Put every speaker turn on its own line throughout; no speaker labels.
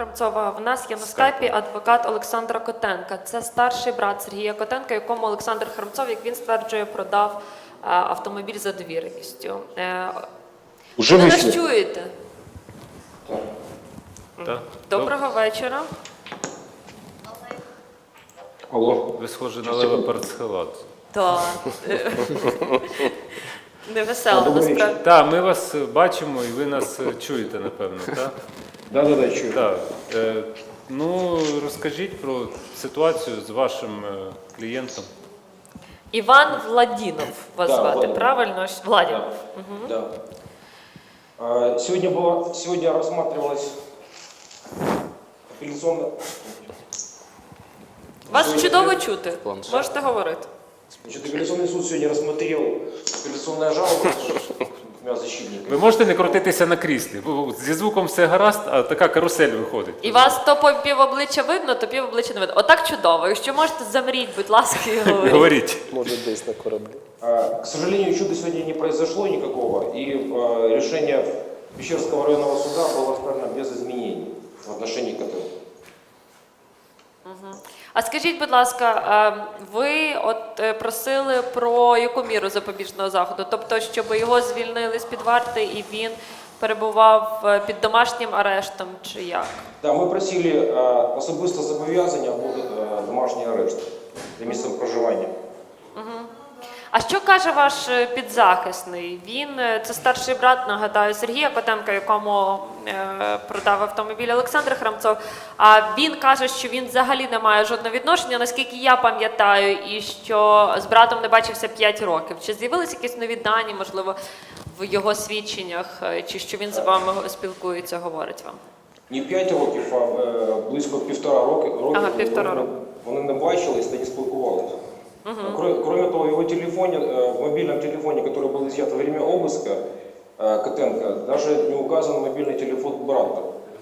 Храмцова. В нас є на скайпі адвокат Олександра Котенка. Це старший брат Сергія Котенка, якому Олександр Храмцов, як він стверджує, продав автомобіль за довіреністю. Ви нас чуєте?
Так.
Доброго вечора.
Алло. Ви схожі на Лева Парцхелат.
Так. Невесело, насправді.
Так, ми вас бачимо і ви нас чуєте, напевно, так?
Да, чую.
Так. Ну, розкажіть про ситуацію з вашим клієнтом.
Іван Владінов вас
Да,
звати,
Владінов.
правильно? Владінов.
Да. Да. Сегодня рассматривалась апелляционная...
Вас чудово чути. Можете говорити.
Значит, апелляционный суд сегодня рассмотрел апелляционная жалоба двумя защитниками.
Ви можете не крутитися на кріслі, бо зі звуком все гаразд, а така карусель виходить.
І вас то по півобличчя видно, то півобличчя не видно. Отак чудово. Якщо можете, замріть, будь ласка, і говоріть.
Говоріть.
Может, десь на кораблі.
К сожалению, чуда сегодня не произошло никакого, и решение Пещерского районного суда было оставлено без изменений в отношении КТ.
А скажіть, будь ласка, ви от просили про яку міру запобіжного заходу? Тобто, щоб його звільнили з-під варти і він перебував під домашнім арештом, чи як?
Да, ми просили особисто зобов'язання або домашній арешт за місцем проживання.
А що каже ваш підзахисний? Він, це старший брат, нагадаю, Сергія Котенка, якому продав автомобіль Олександр Храмцов. А він каже, що він взагалі не має жодного відношення, наскільки я пам'ятаю, і що з братом не бачився 5 років. Чи з'явилися якісь нові дані, можливо, в його свідченнях, чи що він з вами спілкується, говорить вам?
Не 5 років, а близько 1,5 роки.
Ага, 1,5 року.
Вони не бачились та не спілкувалися. Кроме того, в его телефоне, в мобильном телефоне, который был изъят во время обыска Котенко, даже не указан мобильный телефон брата.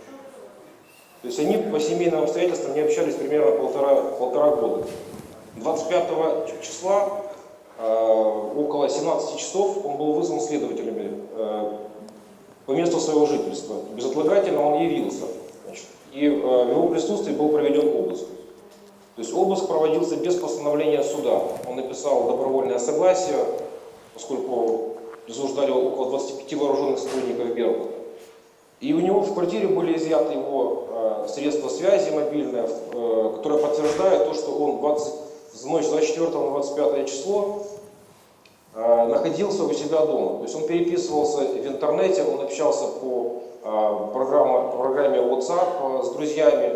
То есть они по семейным обстоятельствам не общались примерно полтора года. 25 числа, около 17 часов, он был вызван следователями по месту своего жительства. Безотлагательно он явился. Значит, и в его присутствии был проведен обыск. То есть обыск проводился без постановления суда. Он написал добровольное согласие, поскольку присуждали около 25 вооруженных сотрудников Беркута. И у него в квартире были изъяты его средства связи мобильные, которые подтверждают то, что он в ночь с 24 на 25 число находился у себя дома. То есть он переписывался в интернете, он общался по программе WhatsApp с друзьями.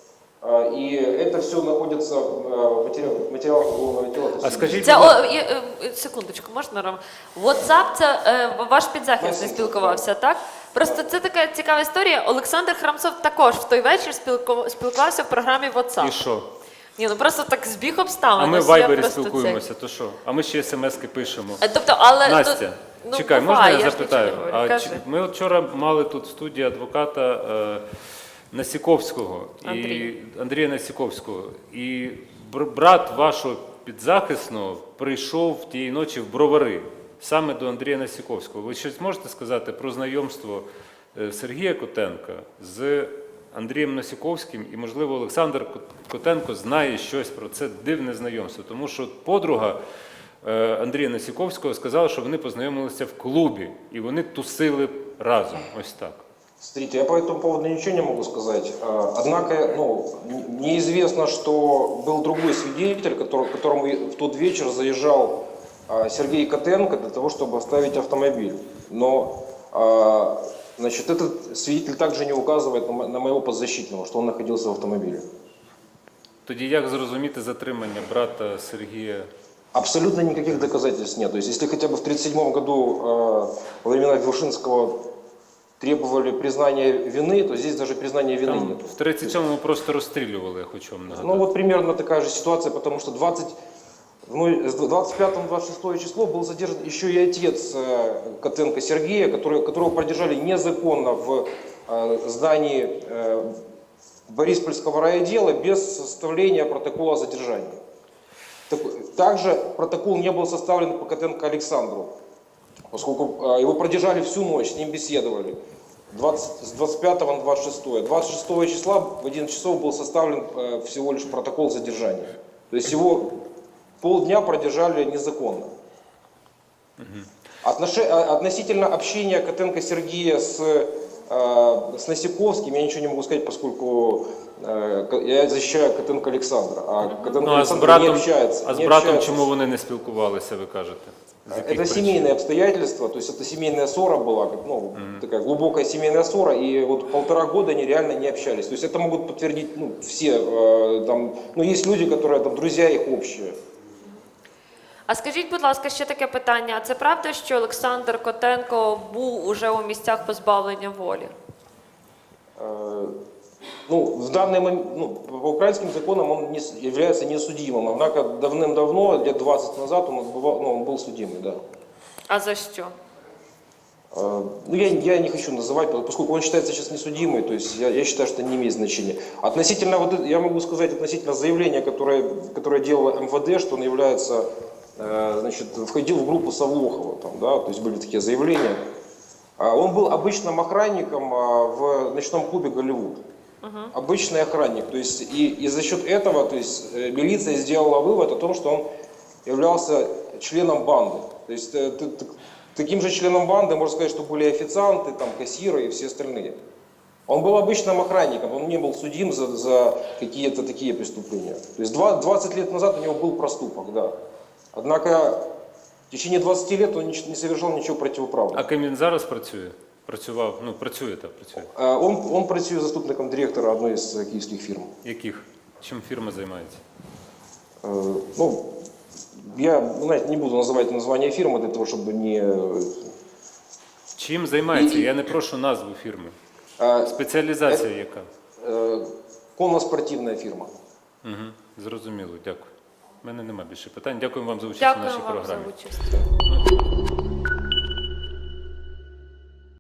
І це все знаходиться в матеріалах уголовного діла.
А скажіть,
Це, секундочку, можна, Рома? WhatsApp – це ваш підзахисний спілкувався, так? Просто це така цікава історія. Олександр Храмцов також в той вечір спілкувався в програмі WhatsApp.
і що?
Ні, ну просто так збіг обставин.
А ми в
Ось я
Вайбері
просто
спілкуємося, то що? А ми ще смс-ки пишемо.
Тобто, але...
Настя,
ну,
чекай,
буває,
можна я
ж
запитаю?
нічого не говорю. Кажи.
Ми вчора мали тут в студії адвоката Насіковського, Андрія Насіковського. І брат вашого підзахисного прийшов тієї ночі в Бровари, саме до Андрія Насіковського. Ви щось можете сказати про знайомство Сергія Котенка з Андрієм Насіковським? І, можливо, Олександр Котенко знає щось про це дивне знайомство. Тому що подруга Андрія Насіковського сказала, що вони познайомилися в клубі, і вони тусили разом. Ось так.
Смотрите, я по этому поводу ничего не могу сказать. Однако, неизвестно, что был другой свидетель, которому в тот вечер заезжал Сергей Котенко для того, чтобы оставить автомобиль. Но, значит, этот свидетель также не указывает на моего подзащитного, что он находился в автомобиле.
Тоді як зрозуміти затримання брата Сергія?
Абсолютно никаких доказательств нет. То есть, если хотя бы в 1937 году, во времена Вершинского, требовали признания вины, то здесь даже признания вины нет.
В 37-му просто розстрілювали, я хочу вам нагадати.
Ну вот примерно такая же ситуация, потому что 25-26 число был задержан еще и отец Котенко Сергея, которого продержали незаконно в здании Бориспольского райотдела без составления протокола о задержании. Также протокол не был составлен по Котенко Александру, поскольку его продержали всю ночь, с ним беседовали. с 25 на 26. 26 числа в 11 часов был составлен всего лишь протокол задержания. То есть его полдня продержали незаконно. Относительно общения Котенко Сергея с Насиковским я ничего не могу сказать, поскольку я защищаю Котенко Александра, а Котенко
Ну, а з
Александр не
братом,
общается.
а з
не
братом
общается
чому вони не спілкувалися, ви кажете? З яких
Это
причин?
семейные обстоятельства, то есть это семейная ссора была, ну, такая глубокая семейная ссора, и вот 1,5 года они реально не общались. То есть это могут подтвердить все, там, есть люди, которые, там, друзья их общие.
А скажіть, будь ласка, ще таке питання. А це правда, що Олександр Котенко був уже у місцях позбавлення волі?
В данный момент, по украинским законам он является несудимым, однако давным-давно, лет 20 назад, он был судимый, да.
А за що?
Я не хочу называть, поскольку он считается сейчас несудимый, то есть я считаю, что это не имеет значения. Относительно, я могу сказать, относительно заявления, которое делало МВД, что он является, входил в группу Савлохова, там, да, то есть были такие заявления. Он был обычным охранником в ночном клубе «Голливуд». Обычный охранник, то есть и за счет этого, то есть милиция сделала вывод о том, что он являлся членом банды. То есть таким же членом банды, можно сказать, что были официанты, там, кассиры и все остальные. Он был обычным охранником, он не был судим за какие-то такие преступления. То есть 20 лет назад у него был проступок, да. Однако в течение 20 лет он не совершал ничего противоправного.
А ким він зараз працює? Працював, працює.
Он працює заступником директора одной з київських фірм.
Яких? Чим фірма займається?
Я, не буду называть название фирмы для того, чтобы не...
Чим займається? Я не прошу назву фірми. Спеціалізація яка?
Конно-спортивная фирма.
Зрозуміло, дякую. У мене немає більше питань. Дякую вам за участь у
Дякую
нашій
вам за
програмі.
участь.